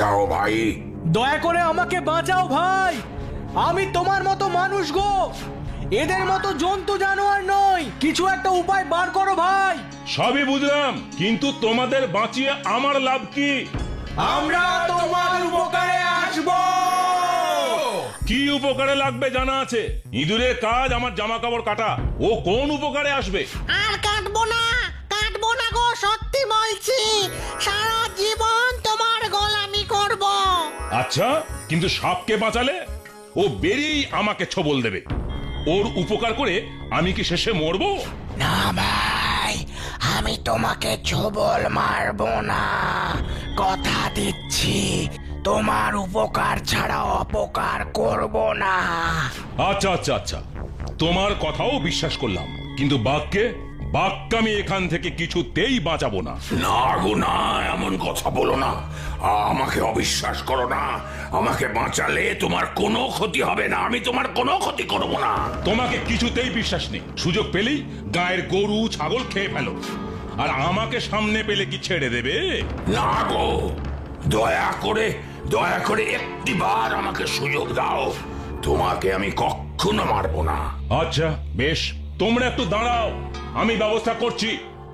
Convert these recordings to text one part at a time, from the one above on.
যাও ভাই। দয়া করে আমাকে বাঁচাও ভাই, আমি তোমার মতো মানুষ গো, এদের মতো জন্তু জানোয়ার নই, কিছু একটা উপায় বার করো ভাই। সবই বুঝলাম, কিন্তু তোমাদের বাঁচিয়ে আমার লাভ কি? আমরা তোমার উপকারে আসবো। কি উপকারে লাগবে জানা আছে? ইঁদুরের কাজ আমার জামা কাপড় কাটা, ও কোন উপকারে আসবে? আর কাটবো না গো, সত্যি বলছি, সারা জীবন তোমার গোলামি করব। আচ্ছা, কিন্তু সাপকে বাঁচালে ও বেরিয়েই আমাকে ছবল দেবে। ওর উপকার করে আমি কি শেষে মরবো? না ভাই, আমি তোমাকে ছোবল মারবো না, কথা দিচ্ছি, তোমার উপকার ছাড়া অপকার করব না। আচ্ছা আচ্ছা আচ্ছা, তোমার কথাও বিশ্বাস করলাম, কিন্তু বাঘকে আমি এখান থেকে কিছুতেই বাঁচাবো না। না গো না, এমন কথা বলো না, আমাকে অবিশ্বাস করো না। আমাকে বাঁচালে তোমার কোনো ক্ষতি হবে না, আমি তোমার কোনো ক্ষতি করব না। তোমাকে কিছুতেই বিশ্বাস নেই, সুযোগ পেলেই গায়ের গরু ছাগল খেয়ে ফেলো, আর আমাকে সামনে পেলে কি ছেড়ে দেবে? না গো, দয়া করে একটিবার আমাকে সুযোগ দাও, তোমাকে আমি কখনো মারবো না। আচ্ছা বেশ, তোমরা একটু দাঁড়াও, আমি ব্যবস্থা করছি।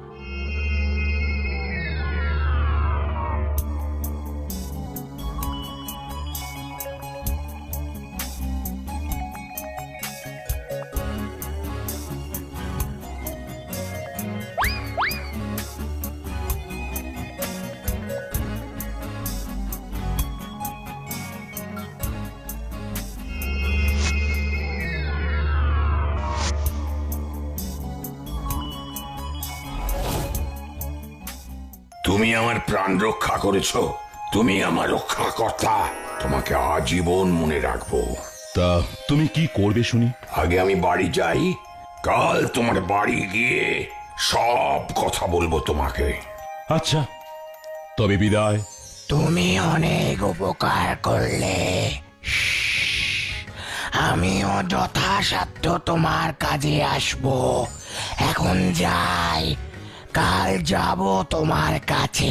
তুমি আমার প্রাণ রক্ষা করেছো, তুমি আমার রক্ষাকর্তা, তোমাকে আজীবন মনে রাখবো। তা তুমি কি করবে শুনি? আগে আমি বাড়ি যাই, কাল তোমার বাড়ি গিয়ে সব কথা বলবো তোমাকে। আচ্ছা, তবে বিদায়। তুমি অনেক উপকার করলে, আমিও যথাসাধ্য তোমার কাজে আসবো। এখন যাই, কাল যাব তোমার কাছে।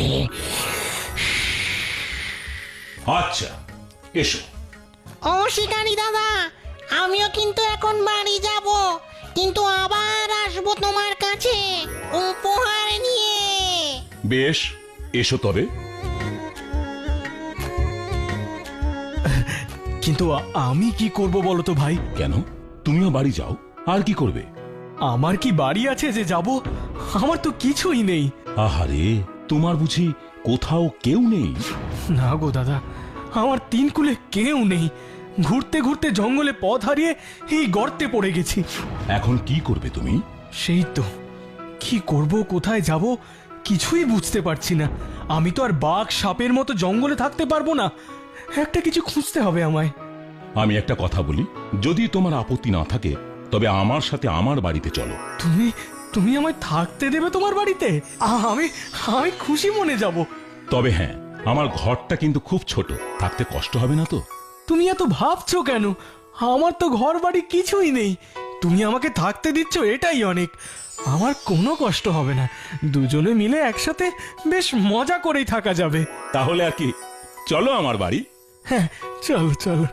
আচ্ছা এসো। ও শিকারি দাদা, আমিও কিন্তু এখন বাড়ি যাব, কিন্তু আবার আসবো তোমার কাছে উপহার নিয়ে। বেশ, এসো তবে। কিন্তু আমি কি করব বলো তো ভাই? কেন, তুমিও বাড়ি যাও, আর কি করবে? আমার কি বাড়ি আছে যে যাব? আমার তো কিছুই নেই। আহারে, তোমার বুঝি কোথাও কেউ নেই? না গো দাদা, আমার তিন কুলে কেউ নেই, ঘুরতে ঘুরতে জঙ্গলে পথ হারিয়ে এই গর্তে পড়ে গেছি। এখন কি করবে তুমি? সেই তো, কি করব, কোথায় যাব, কিছুই বুঝতে পারছি না। আমি তো আর বাঘ সাপের মতো জঙ্গলে থাকতে পারবো না, একটা কিছু খুঁজতে হবে আমায়। আমি একটা কথা বলি, যদি তোমার আপত্তি না থাকে তবে আমার সাথে আমার বাড়িতে চলো। তুমি তুমি আমায় থাকতে দেবে তোমার বাড়িতে? আমি আমি খুশি মনে যাব। তবে হ্যাঁ, আমার ঘরটা কিন্তু খুব ছোট, থাকতে কষ্ট হবে না তো? তুমি এত ভাবছো কেন? আমার তো ঘর বাড়ি কিছুই নেই, তুমি আমাকে থাকতে দিচ্ছ এটাই অনেক। আমার কোনো কষ্ট হবে না, দুজনে মিলে একসাথে বেশ মজা করেই থাকা যাবে। তাহলে আর কি, চলো আমার বাড়ি। হ্যাঁ, চলো চলো।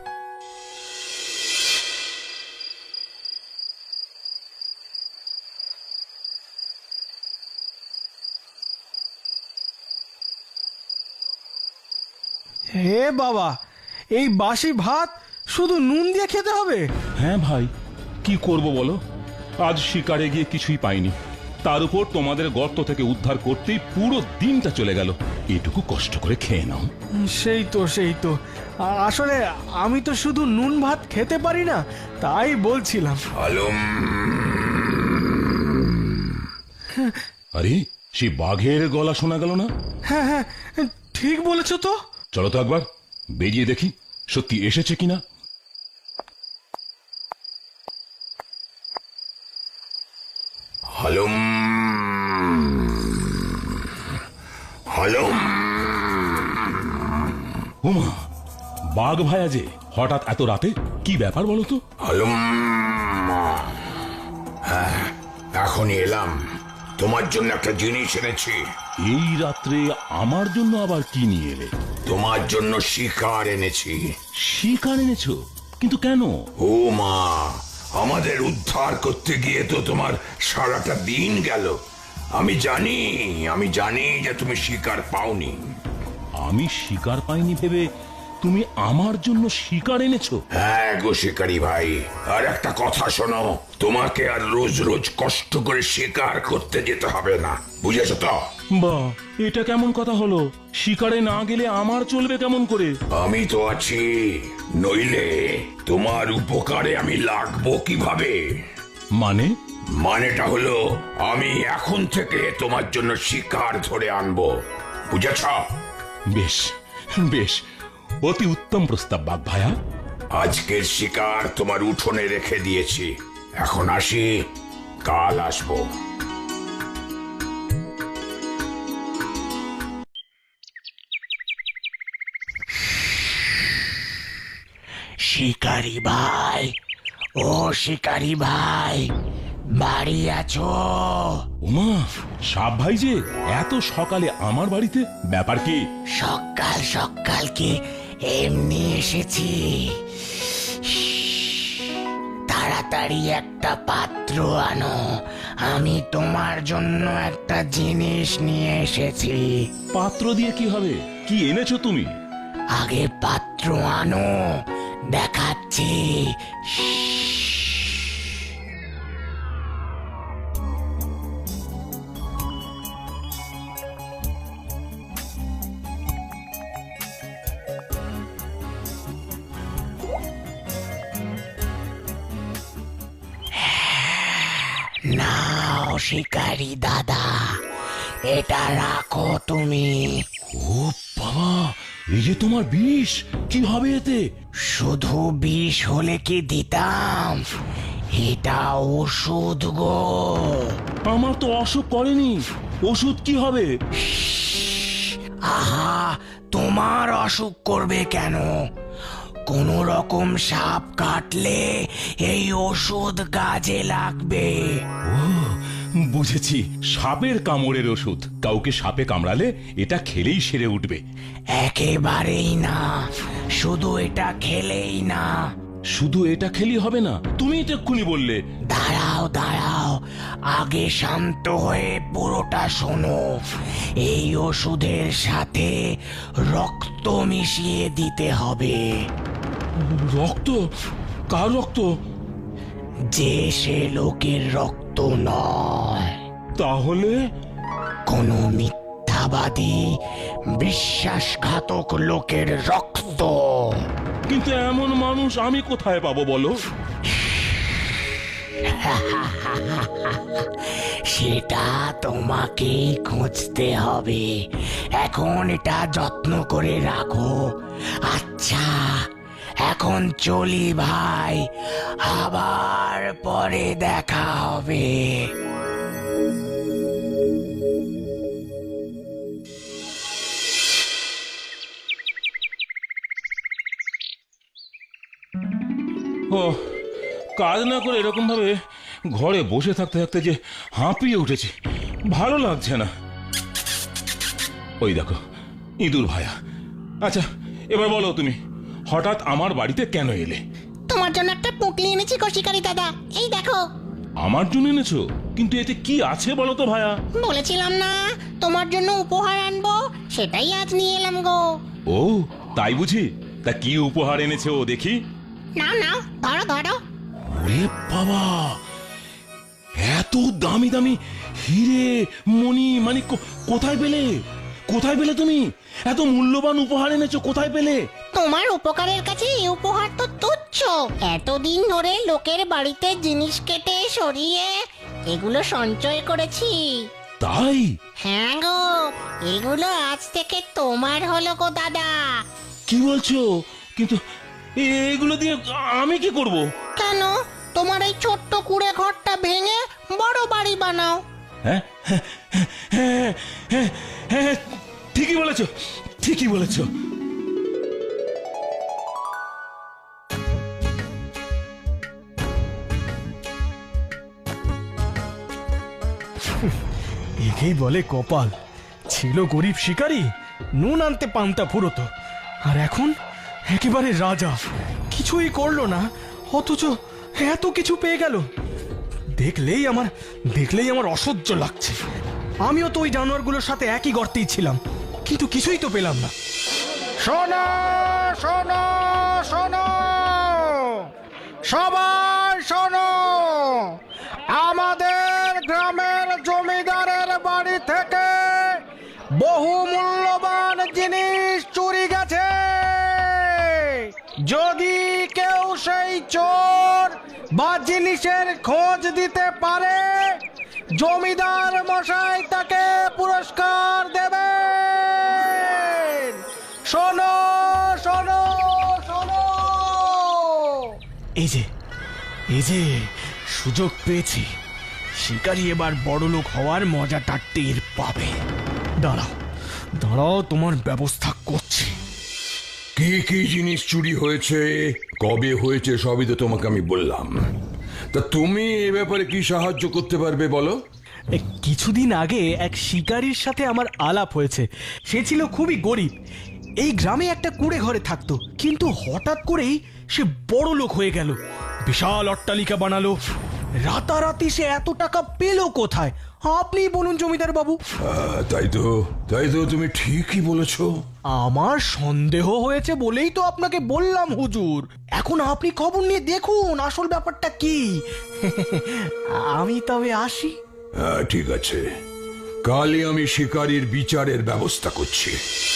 হে বাবা, এই বাসি ভাত শুধু নুন দিয়ে খেতে হবে? হ্যাঁ ভাই, কি করব বলো, আজ শিকারে গিয়ে কিছুই পাইনি, তার উপর তোমাদের গর্ত থেকে উদ্ধার করতেই পুরো দিনটা চলে গেল। এটুকু কষ্ট করে খেয়ে নাও। সেই তো আসলে আমি তো শুধু নুন ভাত খেতে পারি না, তাই বলছিলাম। আলম, আরে, সেই বাঘের গলা শোনা গেল না? হ্যাঁ হ্যাঁ, ঠিক বলেছো তো। চলো তো একবার বেরিয়ে দেখি সত্যি এসেছে কিনা। হালুম হালুম। উমা, বাঘ ভাইয়া যে হঠাৎ এত রাতে, কি ব্যাপার বলো তো? হালুম, হ্যাঁ, এখনই এলাম, তোমার জন্য একটা জিনিস এনেছি। এই রাত্রে আমার জন্য আবার কি নিয়ে এলে? তোমার জন্য শিকার এনেছি। শিকার এনেছো? কিন্তু কেন? ও মা, আমাদের উদ্ধার করতে গিয়ে তো তোমার সারাটা দিন গেল। আমি জানি যে তুমি শিকার পাওনি। আমি শিকার পাইনি ভেবে তুমি আমার জন্য শিকার এনেছো? হ্যাঁ গো শিকারি ভাই, আর একটা কথা শোনো, তোমাকে আর রোজ রোজ কষ্ট করে শিকার করতে যেতে হবে না, বুঝেছো তো? বা, এটা কেমন কথা হলো? শিকারে না গেলে আমার চলবে কেমন করে? আমি তো আছি, নইলে তোমার উপকারে আমি লাগবো কিভাবে? মানে? মানেটা হলো আমি এখন থেকে তোমার জন্য শিকার ধরে আনবো, বুঝেছ? বেশ বেশ, অতি উত্তম প্রস্তাব বাঘ ভায়া। আজকের শিকার তোমার উঠোনে রেখে দিয়েছি, এখন আসি, কাল আসবো। শিকারি ভাই, ও শিকারি ভাই, বাড়ি আছো? ওমা, সাপ ভাই যে এত সকালে আমার বাড়িতে, ব্যাপার কি? সকাল সকাল কি এমনি এসেছি? তাড়াতাড়ি একটা পাত্র আনো, আমি তোমার জন্য একটা জিনিস নিয়ে এসেছি। পাত্র দিয়ে কি হবে? কি এনেছো তুমি? আগে পাত্র আনো, দেখাচ্ছি। নাও শিকারি দাদা, এটা রাখো তুমি। ও বাবা, এই যে তোমার বিষ, কি হবে এতে? শুধু বিষ হলে কি দিতাম, এটা ওষুধ গো। আমার তো অসুখ করেনি, ওষুধ কি হবে? আহা, তোমার অসুখ করবে কেন? কোন রকম সাপ কাটলে এই ওষুধ কাজে লাগবে। ও, বুঝেছি, সাপের কামড়ের ওষুধ। কাউকে সাপে কামড়ালে এটা খেলেই সেরে উঠবে? একেবারেই না, শুধু এটা খেলেই না। শুধু এটা খেলি হবে না? তুমি তো এক্ষুনি বললে। দাঁড়াও দাঁড়াও, আগে শান্ত হয়ে পুরোটা শোনো। এই ওষুধের সাথে রক্ত মিশিয়ে দিতে হবে। রক্ত? কার রক্ত? যে সে লোকের রক্ত নয়, তাহলে? কোনো মিথ্যাবাদী বিশ্বাসঘাতক লোকের রক্ত। কিন্তু এমন মানুষ আমি কোথায় পাবো বলো? সেটা তোমাকেই খুঁজতে হবে। এখন এটা যত্ন করে রাখো। আচ্ছা, এখন চলি ভাই, আবার পরে দেখা হবে। ও, কাজ না করে এরকম ভাবে ঘরে বসে থাকতে থাকতে যে হাঁপিয়ে উঠেছি, ভালো লাগছে না। ওই দেখো, ইঁদুর ভায়া। আচ্ছা, এবার বলো তুমি হঠাৎ আমার বাড়িতে কেন এলে? তোমার জন্য একটা পুঁটলি এনেছি গো শিকারি দাদা, এই দেখো। আমার জন্য এনেছো? কিন্তু এতে কি আছে বলো তো ভায়া? বলেছিলাম না তোমার জন্য উপহার আনবো, সেটাই আজ নিয়ে এলাম গো। ও, তাই বুঝি? তা কি উপহার এনেছো দেখি? নাও নাও, ধরো ধরো। ওরে বাবা, এত দামি দামি হিরে মণি মানে কোথায় পেলে? কোথায় পেলে তুমি এত মূল্যবান উপহার এনেছো? কোথায় পেলে? তোমার উপকারের কাছে এই উপহার তো তুচ্ছ। এতদিন ধরে লোকের বাড়িতে জিনিস কেটে সরিয়ে এগুলো সঞ্চয় করেছি। তাই? হ্যাঁ গো, এগুলো আজ থেকে তোমার হলো গো দাদা। কি বলছো? কিন্তু এগুলো দিয়ে আমি কি করব? কেন, তোমার এই ছোট্ট কুড়ে ঘরটা ভেঙে বড় বাড়ি বানাও। হ্যাঁ হ্যাঁ হ্যাঁ হ্যাঁ হ্যাঁ, ঠিকই বলেছো, ঠিকই বলেছো। একেই বলে কপাল। ছিল গরিব শিকারী, নুন আনতে পান্তা ফুরোতো, আর এখন একেবারে রাজা, কিছুই করলো না অথচ এত কিছু পেয়ে গেল। দেখলেই আমার অসহ্য লাগছে। আমিও তো ওই জানোয়ারগুলোর সাথে একই গর্তেই ছিলাম, কিন্তু কিছুই তো পেলাম না। শোনো শোনো শোনো, সবাই শোনো, আমাদের গ্রামের জমিদারের বাড়ি থেকে বহু মূল্যবান জিনিস চুরি গেছে। যদি কেউ সেই চোর বা জিনিসের খোঁজ দিতে পারে, জমিদার মশাই তাকে পুরস্কার দেবেন। শোনো শোনো শোনো। এই যে সুযোগ পেয়েছি, শিকারী এবার বড়লোক হওয়ার মজাটা টের পাবে। দাঁড়াও তোমার ব্যবস্থা করছি। কি কি জিনিস চুরি হয়েছে, কবে হয়েছে, সবই তো তোমাকে আমি বললাম। তা তুমি এ ব্যাপারে কি সাহায্য করতে পারবে বলো? কিছুদিন আগে এক শিকারীর সাথে আমার আলাপ হয়েছে। সে ছিল খুবই গরিব, এই গ্রামে একটা কুঁড়ে ঘরে থাকতো, কিন্তু হঠাৎ করেই সে বড় লোক হয়ে গেল, বিশাল অট্টালিকা বানালো। রাতারাতি সে এত টাকা পেল কোথায়? আপনি বলুন জমিদার বাবু। তাই তো তুমি ঠিকই বলেছো। আমার সন্দেহ হয়েছে বলেই তো আপনাকে বললাম হুজুর। এখন আপনি খবর নিয়ে দেখুন আসল ব্যাপারটা কি। আমি তবে আসি। ঠিক আছে, কালই আমি শিকারীর বিচারের ব্যবস্থা করছি।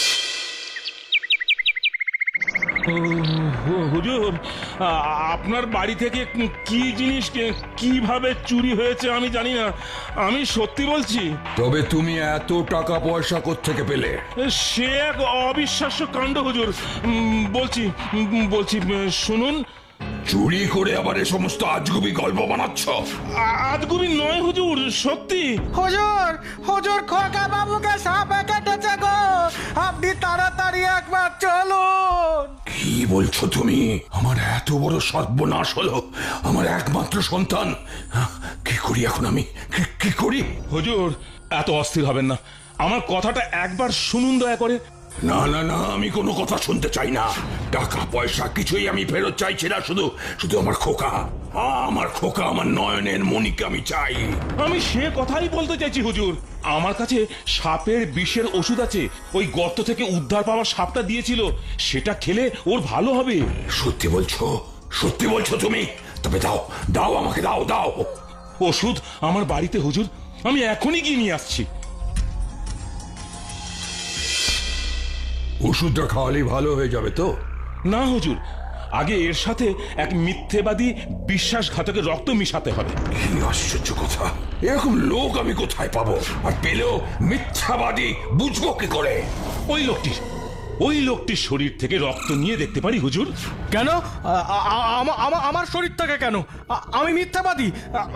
হুজুর, আপনার বাড়ি থেকে কি জিনিস কিভাবে চুরি হয়েছে আমি জানি না, আমি সত্যি বলছি। তবে তুমি এত টাকা পয়সা কোত্থেকে পেলে? সে এক অবিশ্বাস্য কাণ্ড হুজুর। বলছি শুনুন। চুরি করে আবার এ সমস্ত আজগুবি গল্প বানাচ্ছ? আজগুবি নয় হুজুর, সত্যি। হুজুর হুজুর, খোকা বাবুকে সাপে কেটেছে গো, আপনি তাড়াতাড়ি একবার চলুন। কি বলছো তুমি? আমার এত বড় সর্বনাশ হলো, আমার একমাত্র সন্তান। কি করি এখন আমি, কি করি? হুজুর, এত অস্থির হবেন না, আমার কথাটা একবার শুনুন দয়া করে। না, আমি কোনো কথা শুনতে চাই না। টাকা পয়সা কিছুই আমি ফেরত চাইছি না, শুধু আমার খোকা, আমার নয়নের মণিকে আমি চাই। আমি সে কথাই বলতে চাইছি হুজুর। আমার কাছে সাপের বিষের ওষুধ আছে, ওই গর্ত থেকে উদ্ধার পাওয়া সাপটা দিয়েছিল, সেটা খেলে ওর ভালো হবে। সত্যি বলছো তুমি? তবে দাও আমাকে, দাও। ওষুধ আমার বাড়িতে হুজুর, আমি এখনই গিয়ে নিয়ে আসছি। ওষুধটা খাওয়ালেই ভালো হয়ে যাবে তো? না হুজুর, আগে এর সাথে এক মিথ্যেবাদী বিশ্বাসঘাতকের রক্ত মিশাতে হবে। কি আশ্চর্য কথা, এরকম লোক আমি কোথায় পাবো? আর পেলেও মিথ্যাবাদী বুঝবো কি করে? ওই লোকটির শরীর থেকে রক্ত নিয়ে দেখতে পারি হুজুর। কেন? আমার শরীর থেকে কেন? আমি মিথ্যাবাদী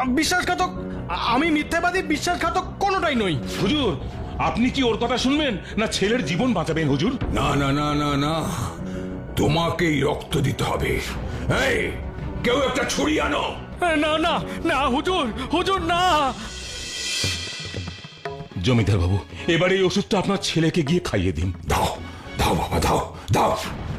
বিশ্বাসঘাতক কোনোটাই নই। হুজুর, আপনি কি ওর কথা শুনবেন না ছেলের জীবন বাঁচাবেন হুজুর? না, তোমাকেই রক্ত দিতে হবে। এই, কেউ একটা ছুরি আনো। না হুজুর না। জমিদার বাবু, এবার এই ওষুধটা আপনার ছেলেকে গিয়ে খাইয়ে দিন। দাও বাবা, দাও।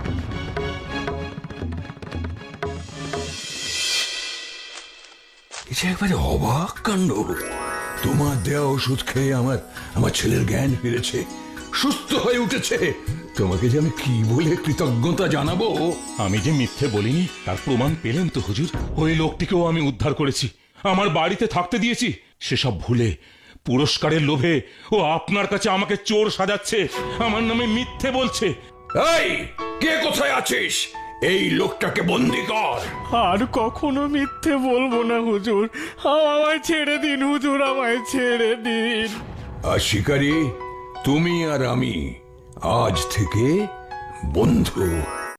এটা একবারে অবাক কাণ্ড। তোমার দেওয়া ওষুধ খেয়ে আমার ছেলের জ্ঞান ফিরেছে, সুস্থ হয়ে উঠেছে। তোমাকে যে আমি কি বলে কৃতজ্ঞতা জানাবো। আমি যে মিথ্যে বলিনি তার প্রমাণ পেলেন তো হুজুর। ওই লোকটিকেও আমি উদ্ধার করেছি, আমার বাড়িতে থাকতে দিয়েছি। সেসব ভুলে পুরস্কারের লোভে ও আপনার কাছে আমাকে চোর সাজাচ্ছে, আমার নামে মিথ্যে বলছে। এই, কে কোথায় আছিস? এই লোকটাকে বন্দি কর। আর কখনো মিথ্যে বলবো না হুজুর, আমায় ছেড়ে দিন হুজুর, আমায় ছেড়ে দিন। আর শিকারী, তুমি আর আমি আজ থেকে বন্ধু।